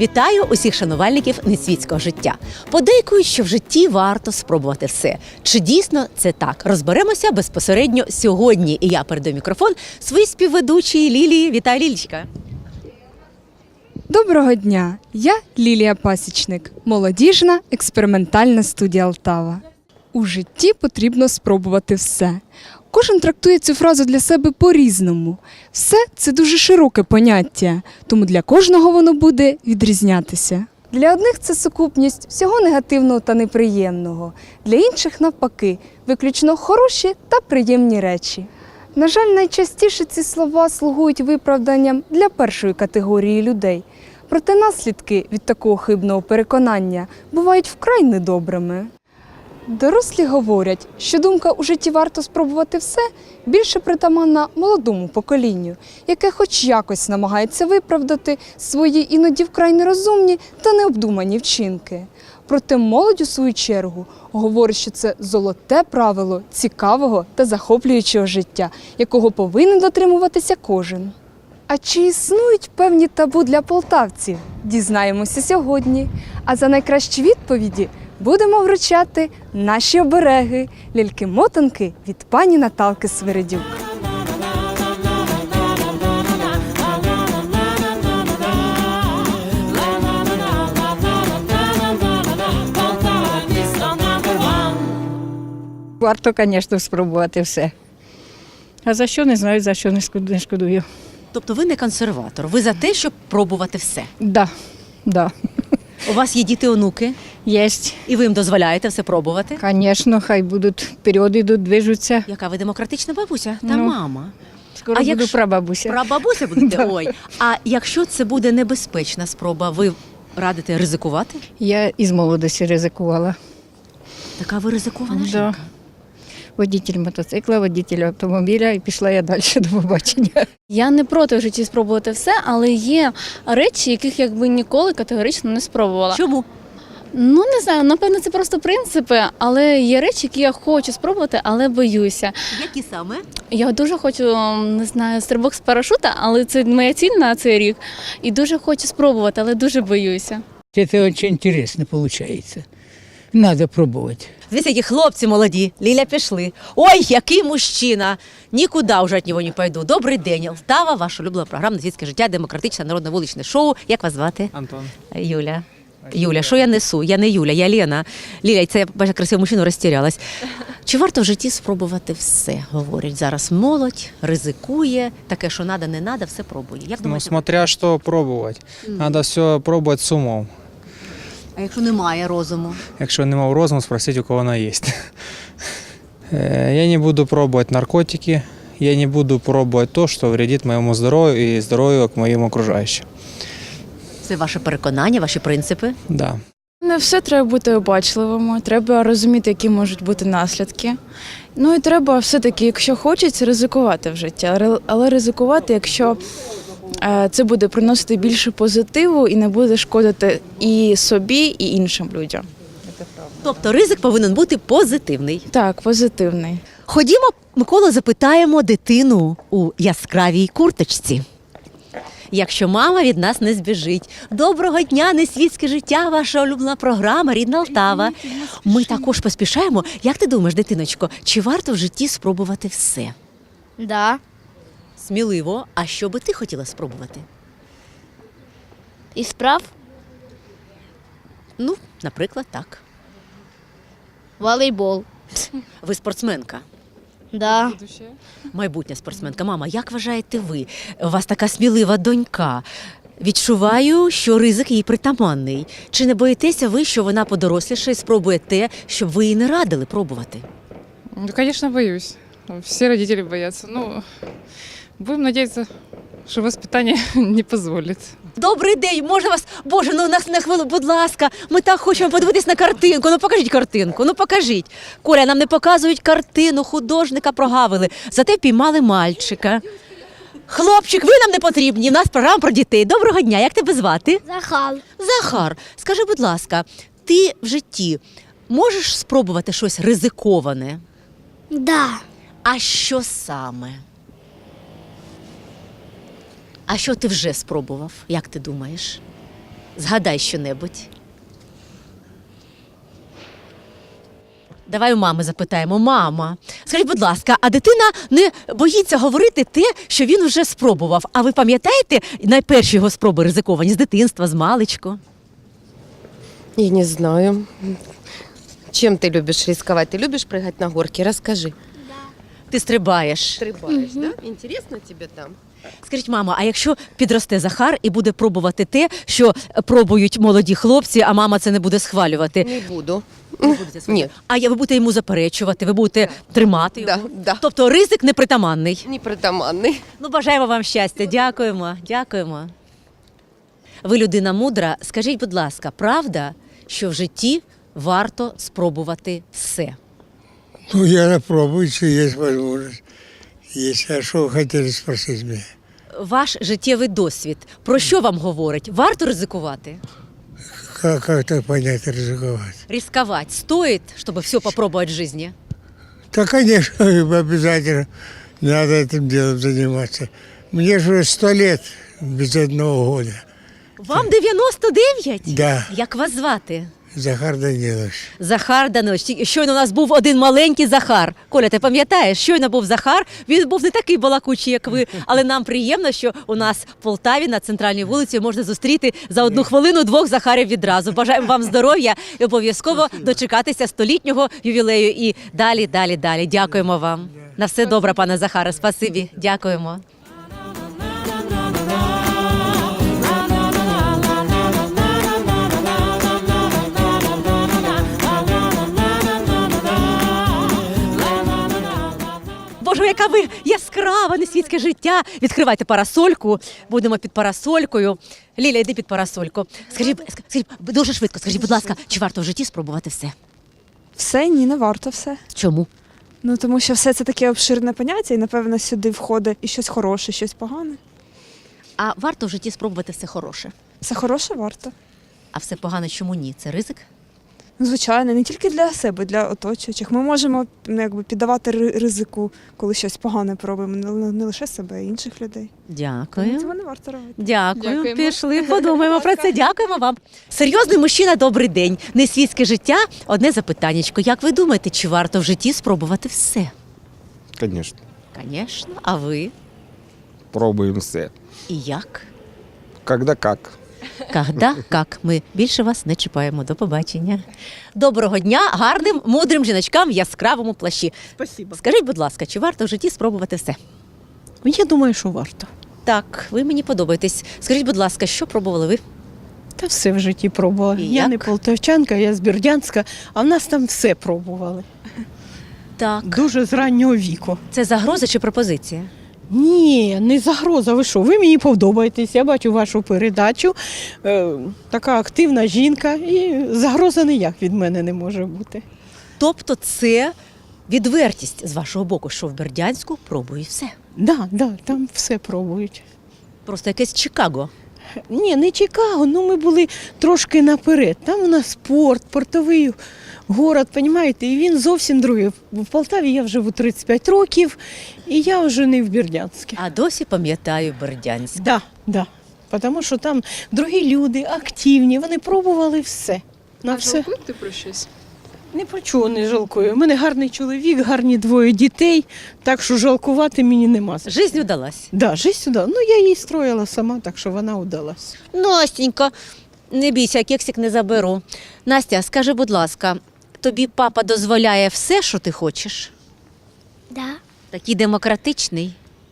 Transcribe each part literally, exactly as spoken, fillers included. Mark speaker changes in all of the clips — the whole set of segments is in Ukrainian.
Speaker 1: Вітаю усіх шанувальників несвітського життя. Подейкують, що в житті варто спробувати все. Чи дійсно це так? Розберемося безпосередньо сьогодні. І я передаю мікрофон своїй співведучій Лілії. Вітаю, Лілічка.
Speaker 2: Доброго дня! Я Лілія Пасічник, молодіжна експериментальна студія Алтава. У житті потрібно спробувати все. Кожен трактує цю фразу для себе по-різному. Все – це дуже широке поняття, тому для кожного воно буде відрізнятися. Для одних це сукупність всього негативного та неприємного, для інших навпаки, виключно хороші та приємні речі. На жаль, найчастіше ці слова слугують виправданням для першої категорії людей. Проте наслідки від такого хибного переконання бувають вкрай недобрими. Дорослі говорять, що думка у житті варто спробувати все більше притаманна молодому поколінню, яке хоч якось намагається виправдати свої іноді вкрай нерозумні та необдумані вчинки. Проте молодь у свою чергу говорить, що це золоте правило цікавого та захоплюючого життя, якого повинен дотримуватися кожен. А чи існують певні табу для полтавців? Дізнаємося сьогодні. А за найкращі відповіді будемо вручати наші обереги – ляльки-мотанки від пані Наталки Свиридюк.
Speaker 3: Варто, звісно, спробувати все. А за що, не знаю, за що не шкоду- не шкодую.
Speaker 1: Тобто ви не консерватор, ви за те, щоб пробувати все.
Speaker 3: Да, да.
Speaker 1: У вас є діти-онуки,
Speaker 3: Єсть.
Speaker 1: і ви їм дозволяєте все пробувати.
Speaker 3: Звісно, хай будуть вперед ідуть, движуться.
Speaker 1: Яка ви демократична бабуся та
Speaker 3: Ну,
Speaker 1: мама.
Speaker 3: Скоро
Speaker 1: А
Speaker 3: буду
Speaker 1: якщо-
Speaker 3: прабабуся.
Speaker 1: Прабабуся будете? Ой. А якщо це буде небезпечна спроба, ви радите ризикувати?
Speaker 3: Я із молодості ризикувала.
Speaker 1: Така ви ризикована
Speaker 3: Да.
Speaker 1: жінка.
Speaker 3: Водитель мотоцикла, водитель автомобіля, і пішла я далі до побачення.
Speaker 4: Я не проти в житті спробувати все, але є речі, яких якби ніколи категорично не спробувала.
Speaker 1: Чому?
Speaker 4: Ну не знаю, напевно, це просто принципи, але є речі, які я хочу спробувати, але боюся.
Speaker 1: Які саме?
Speaker 4: Я дуже хочу, не знаю, стрибок з парашута, але це моя ціль на цей рік. І дуже хочу спробувати, але дуже боюся.
Speaker 5: Это очень интересно получается. Надо пробовать.
Speaker 1: Дивіться, які хлопці молоді. Ліля, пішли. Ой, який мужчина! Нікуди вже від нього не пойду. Добрий день. Алтава, ваша улюблена програма «Несвітське життя», демократичне народне вуличне шоу. Як вас звати?
Speaker 6: Антон.
Speaker 1: Юля. Юля, що я несу? Я не Юля, я Лена. Ліля, це я бачу красиву мужчину, розтірялась. Чи варто в житті спробувати все? Говорять зараз молодь, ризикує, таке, що надо, не надо, все пробує. Як
Speaker 6: Ну,
Speaker 1: думаєте?
Speaker 6: смотря что пробовать. Надо все пробовать с умом.
Speaker 1: А якщо немає розуму?
Speaker 6: Якщо нема розуму, спросить, у кого вона є. Э, Я не буду пробовать наркотики, я не буду пробовать то, что вредит моему здоровью и здоровью к моим окружающим.
Speaker 1: Це ваше переконання, ваші принципи?
Speaker 6: Да.
Speaker 7: Не все треба бути обачливими, треба розуміти, які можуть бути наслідки. Ну і треба все-таки, якщо хочеться, ризикувати в житті, але- але ризикувати, якщо е, це буде приносити більше позитиву і не буде шкодити і собі, і іншим людям.
Speaker 1: Тобто ризик повинен бути позитивний.
Speaker 7: Так, позитивний.
Speaker 1: Ходімо, Микола, запитаємо дитину у яскравій курточці. Якщо мама від нас не збіжить. Доброго дня, несвітське життя, ваша улюблена програма «Рідна Алтава». Ми також поспішаємо. Як ти думаєш, дитиночко, чи варто в житті спробувати все?
Speaker 8: Да.
Speaker 1: Сміливо. А що би ти хотіла спробувати?
Speaker 8: І справ
Speaker 1: Ну, наприклад, так.
Speaker 8: волейбол.
Speaker 1: Ви спортсменка.
Speaker 8: Да.
Speaker 1: Майбутня спортсменка. Мама, як вважаєте ви? У вас така смілива донька. Відчуваю, що ризик їй притаманний. Чи не боїтеся ви, що вона подоросліше і спробує те, щоб ви їй не радили пробувати?
Speaker 9: Ну, конечно, боюсь. Все родители боятся. Ну, будем надеяться, что воспитание не позволит.
Speaker 1: Добрий день, можна вас? Боже, ну нас на хвилину, будь ласка, ми так хочемо подивитись на картинку. Ну покажіть картинку, ну покажіть. Коля, нам не показують картину, художника прогавили, зате піймали мальчика. Хлопчик, ви нам не потрібні, у нас програма про дітей. Доброго дня, як тебе звати?
Speaker 8: Захал.
Speaker 1: Захар, скажи, будь ласка, ти в житті можеш спробувати щось ризиковане?
Speaker 8: Да.
Speaker 1: А що саме? А що ти вже спробував? Як ти думаєш? Згадай щонебудь. Давай у мами запитаємо. Мама, скажіть, будь ласка, а дитина не боїться говорити те, що він вже спробував? А ви пам'ятаєте найперші його спроби ризиковані з дитинства, з маличку?
Speaker 10: Я не знаю. Чем ты любишь рисковать? Ты любишь прыгать на горке? Расскажи.
Speaker 1: Ти стрибаєш.
Speaker 10: Стрибаешь, да? Интересно тебе там?
Speaker 1: Скажіть, мама, а якщо підросте Захар і буде пробувати те, що пробують молоді хлопці, а мама це не буде схвалювати?
Speaker 10: Не буду.
Speaker 1: Не будете схвалювати?
Speaker 10: Ні.
Speaker 1: А я- ви будете йому заперечувати, ви будете тримати
Speaker 10: Да,
Speaker 1: його?
Speaker 10: да.
Speaker 1: Тобто ризик непритаманний.
Speaker 10: Непритаманный.
Speaker 1: Ну, бажаємо вам щастя. Дякуємо, дякуємо. Ви людина мудра. Скажіть, будь ласка, правда, що в житті варто спробувати все?
Speaker 11: Ну, я напробую, если есть возможность. Если, а что вы хотели спросить меня?
Speaker 1: Ваш життєвий досвід про що вам говорить? Варто ризикувати?
Speaker 11: Как, как так понять, рисковать?
Speaker 1: Рисковать стоит, чтобы все попробовать в жизни?
Speaker 11: Да, конечно, обязательно надо этим делом заниматься. Мне же уже сто лет без одного года.
Speaker 1: Вам дев'яносто дев'ять?
Speaker 11: Да,
Speaker 1: Як вас звати?
Speaker 11: Захар Данилович.
Speaker 1: Захар Данилович. Ті- Щойно у нас був один маленький Захар. Коля, ти пам'ятаєш, щойно був Захар. Він був не такий балакучий, як ви, але нам приємно, що у нас в Полтаві на центральній вулиці можна зустріти за одну хвилину двох Захарів відразу. Бажаємо вам здоров'я і обов'язково дочекатися столітнього ювілею. І далі, далі, далі. Дякуємо вам. На все добре, пане Захаре. Спасибі. Дякуємо. Боже, яка ви яскрава, несвітське життя. Відкривайте парасольку, будемо під парасолькою. Ліля, йди під парасольку. Скажіть, ск- скажіть, дуже швидко, скажіть, будь ласка, чи варто в житті спробувати все?
Speaker 2: Все, ні, не варто все.
Speaker 1: Чому?
Speaker 2: Ну тому що все це таке обширне поняття, і напевно сюди входить і щось хороше, і щось погане.
Speaker 1: А варто в житті спробувати все хороше.
Speaker 2: Все хороше варто.
Speaker 1: А все погане чому ні? Це ризик?
Speaker 2: Ну, звичайно, не тільки для себе, для оточуючих. Ми можемо ну, якби, піддавати ри- ризику, коли щось погане пробуємо, не, не лише себе, а й інших людей. Тому
Speaker 1: Дякую.
Speaker 2: цього не варто робити.
Speaker 1: Дякую.
Speaker 2: Дякуємо.
Speaker 1: Пішли, подумаємо про це. Дякуємо вам. Серйозний мужчина, добрий день. Несвітське життя. Одне запитаннячко. Як ви думаєте, чи варто в житті спробувати все?
Speaker 12: Звісно,
Speaker 1: Звісно. А ви?
Speaker 12: пробуємо все.
Speaker 1: І як?
Speaker 12: Когда как.
Speaker 1: Когда, як. Ми більше вас не чіпаємо. До побачення. Доброго дня гарним, мудрим жіночкам в яскравому плащі.
Speaker 13: Спасибо.
Speaker 1: Скажіть, будь ласка, чи варто в житті спробувати все?
Speaker 13: Я думаю, що варто.
Speaker 1: Так, ви мені подобаєтесь. Скажіть, будь ласка, що пробували ви?
Speaker 13: Та все в житті пробувала.
Speaker 1: І
Speaker 13: Я
Speaker 1: як?
Speaker 13: не полтавчанка, я з Бердянська, а в нас там все пробували.
Speaker 1: Так.
Speaker 13: Дуже з раннього віку.
Speaker 1: Це загроза чи пропозиція?
Speaker 13: Ні, не загроза. Ви що? Ви мені подобаєтесь. Я бачу вашу передачу. Е, така активна жінка, і загроза ніяк від мене не може бути.
Speaker 1: Тобто це відвертість з вашого боку, що в Бердянську пробують все.
Speaker 13: Да, да, там все пробують.
Speaker 1: Просто якесь Чикаго.
Speaker 13: Ні, не Чикаго, ну ми були трошки наперед. Там у нас спорт, портовий город, розумієте, і він зовсім другий. В Полтаві я вже живу тридцять п'ять років, і я вже не в Бердянську.
Speaker 1: А досі пам'ятаю Бердянськ.
Speaker 13: Да, да. Тому що там другі люди, активні, вони пробували все. На все.
Speaker 2: ти про щось?
Speaker 13: Не про чого не жалкую. У мене гарний чоловік, гарні двоє дітей, так що жалкувати мені нема. за що.
Speaker 1: Жизнь удалась.
Speaker 13: Да, життя сюди. Ну, я її строїла сама, так що вона удалась.
Speaker 1: Настенька, не бійся, кексик не заберу. Настя, скажи, будь ласка, тобі папа дозволяє все, що ти хочеш?
Speaker 8: Да.
Speaker 1: Такий демократичний.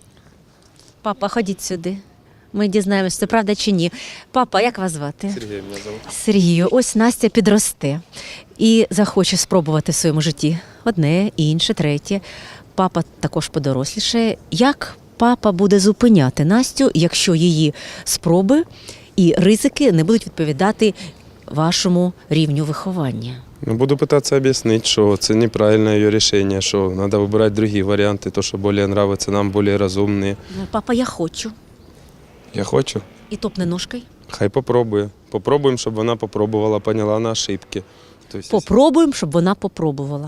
Speaker 1: Папа, ходіть сюди. Ми дізнаємося, це правда чи ні. Папа, як вас звати?
Speaker 12: Сергій мене зовут.
Speaker 1: Сергію, ось Настя підросте і захоче спробувати в своєму житті одне, інше, третє. Папа також подорослішає. Як папа буде зупиняти Настю, якщо її спроби і ризики не будуть відповідати вашому рівню виховання?
Speaker 12: Ну, буду пытаться объяснить, что это неправильное ее решение, что надо выбирать другие варианты, то, что более нравится нам, более разумные.
Speaker 1: Папа, я хочу.
Speaker 12: Я хочу.
Speaker 1: І топне ножкою.
Speaker 12: Хай попробує. Попробуємо, щоб вона попробувала, поняла на ошибки. Тобто,
Speaker 1: Попробуємо, щоб вона попробувала.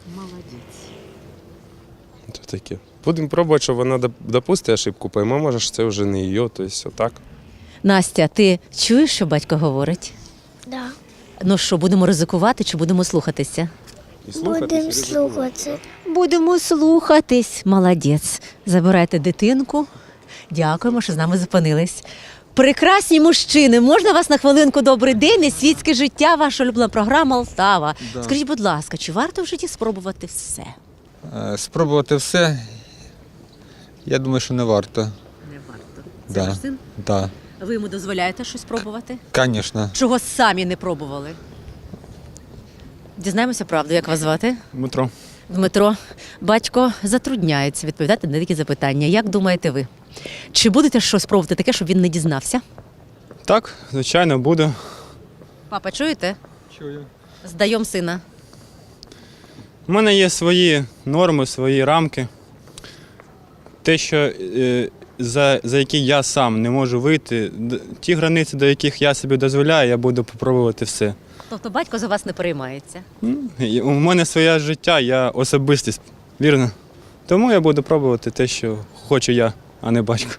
Speaker 12: це таке. Будемо пробувати, щоб вона доп- допустить ошибку, пойме, може, що це вже не її, тобто отак.
Speaker 1: Настя, ти чуєш, що батько говорить?
Speaker 8: Да.
Speaker 1: Ну що, будемо ризикувати чи будемо слухатися?
Speaker 8: Будемо слухати.
Speaker 1: Будемо слухатись. Молодець. Забирайте дитинку. Дякуємо, що з нами зупинились. Прекрасні мужчини, можна вас на хвилинку? Добрий день, несвітське життя, ваша улюблена програма «Алтава».
Speaker 14: Да.
Speaker 1: Скажіть, будь ласка, чи варто в житті спробувати все?
Speaker 14: Е, Спробувати все, я думаю, що не варто.
Speaker 1: Не варто. Це
Speaker 14: Да.
Speaker 1: ваш син?
Speaker 14: Так,
Speaker 1: Ви йому дозволяєте щось спробувати?
Speaker 14: звісно.
Speaker 1: Чого самі не пробували? Дізнаємося правду, як вас звати?
Speaker 12: Дмитро.
Speaker 1: Дмитро, батько затрудняється відповідати на такі запитання. Як думаєте ви? Чи будете щось пробувати таке, щоб він не дізнався?
Speaker 12: Так, звичайно, буду.
Speaker 1: Папа, чуєте?
Speaker 12: Чую.
Speaker 1: Здаємо сина.
Speaker 12: У мене є свої норми, свої рамки. Те, що, е, за, за які я сам не можу вийти, д- ті границі, до яких я собі дозволяю, я буду спробувати все.
Speaker 1: Тобто батько за вас не переймається.
Speaker 12: Ну, і у мене своє життя, я особистість, вірно? Тому я буду пробувати те, що хочу я, а не батько.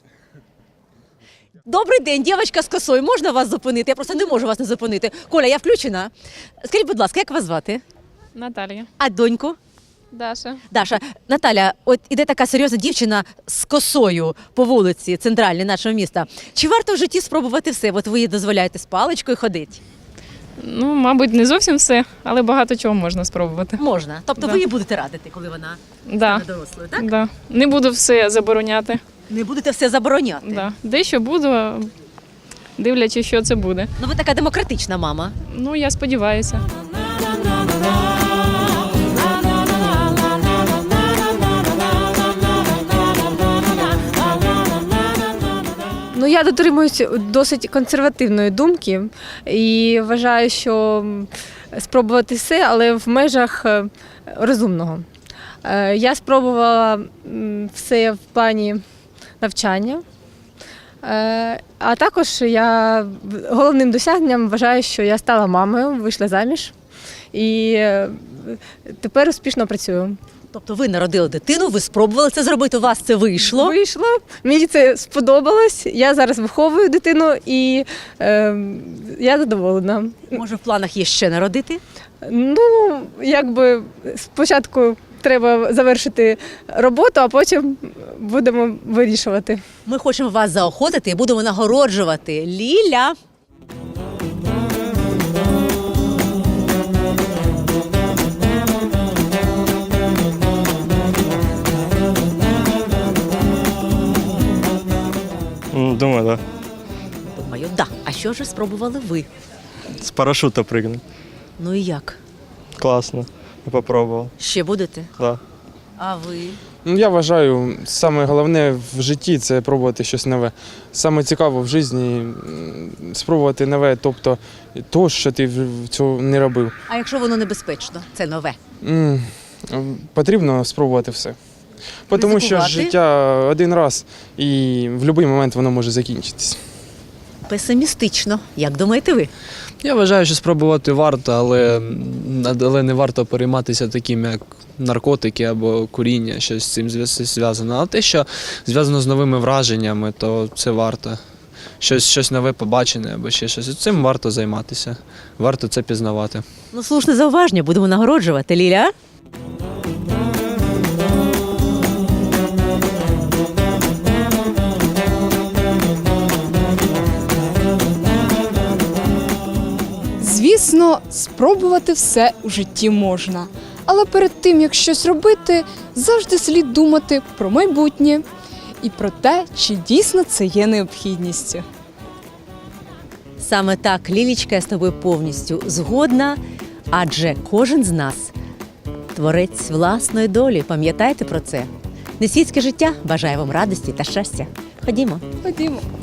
Speaker 1: Добрий день, дівчинка з косою. Можна вас зупинити? Я просто не можу вас не зупинити. Коля, я включена. Скажіть, будь ласка, як вас звати?
Speaker 9: Наталія.
Speaker 1: А доньку?
Speaker 9: Даша.
Speaker 1: Даша, Наталя, от іде така серйозна дівчина з косою по вулиці центральній нашого міста. Чи варто в житті спробувати все? От ви їй дозволяєте з паличкою ходити?
Speaker 9: Ну, мабуть, не зовсім все, але багато чого можна спробувати.
Speaker 1: Можна. Тобто
Speaker 9: Да.
Speaker 1: ви їй будете радити, коли вона
Speaker 9: Да.
Speaker 1: стане дорослою, так?
Speaker 9: Да. Не буду все забороняти.
Speaker 1: Не будете все забороняти.
Speaker 9: Да. Дещо буду, дивлячись, що це буде.
Speaker 1: Ну ви така демократична мама.
Speaker 9: Ну, я сподіваюся.
Speaker 15: Ну, я дотримуюсь досить консервативної думки і вважаю, що спробувати все, але в межах е, розумного. Е, Я спробувала м, все в плані навчання, Е, а також я головним досягненням вважаю, що я стала мамою, вийшла заміж і е, тепер успішно працюю.
Speaker 1: Тобто ви народили дитину, ви спробували це зробити, у вас це вийшло.
Speaker 15: Вийшло, мені це сподобалось. Я зараз виховую дитину і е, я задоволена.
Speaker 1: Може, в планах є ще народити?
Speaker 15: Ну, якби спочатку треба завершити роботу, а потім будемо вирішувати.
Speaker 1: Ми хочемо вас заохотити і будемо нагороджувати. Ліля!
Speaker 16: Думаю, так.
Speaker 1: Думаю, да. А що ж спробували ви?
Speaker 16: Да. З парашута пригнути.
Speaker 1: Ну і як?
Speaker 16: Класно. Я попробував.
Speaker 1: Ще будете?
Speaker 16: Да.
Speaker 1: А ви?
Speaker 6: Ну, я вважаю, саме головне в житті це пробувати щось нове. Саме цікаво в житті м, спробувати нове, тобто то, що ти в- цього не робив.
Speaker 1: А якщо воно небезпечно, це нове?
Speaker 6: М, Потрібно спробувати все. Тому що
Speaker 1: Ризикувати?
Speaker 6: життя один раз і в будь-який момент воно може закінчитись.
Speaker 1: Песимістично. Як думаєте ви?
Speaker 17: Я вважаю, що спробувати варто, але, але не варто перейматися таким, як наркотики або куріння, щось з цим зв'яз- зв'язано. А те, що зв'язано з новими враженнями, то це варто. Щось, щось нове побачене або ще щось. Цим варто займатися. Варто це пізнавати.
Speaker 1: Ну, слушне зауваження, будемо нагороджувати. Ліля?
Speaker 2: Звісно, спробувати все у житті можна. Але перед тим, як щось робити, завжди слід думати про майбутнє і про те, чи дійсно це є необхідністю.
Speaker 1: Саме так, Лілічка, я з тобою повністю згодна, адже кожен з нас творець власної долі. Пам'ятайте про це. Несвітське життя бажає вам радості та щастя. Ходімо.
Speaker 2: Ходімо.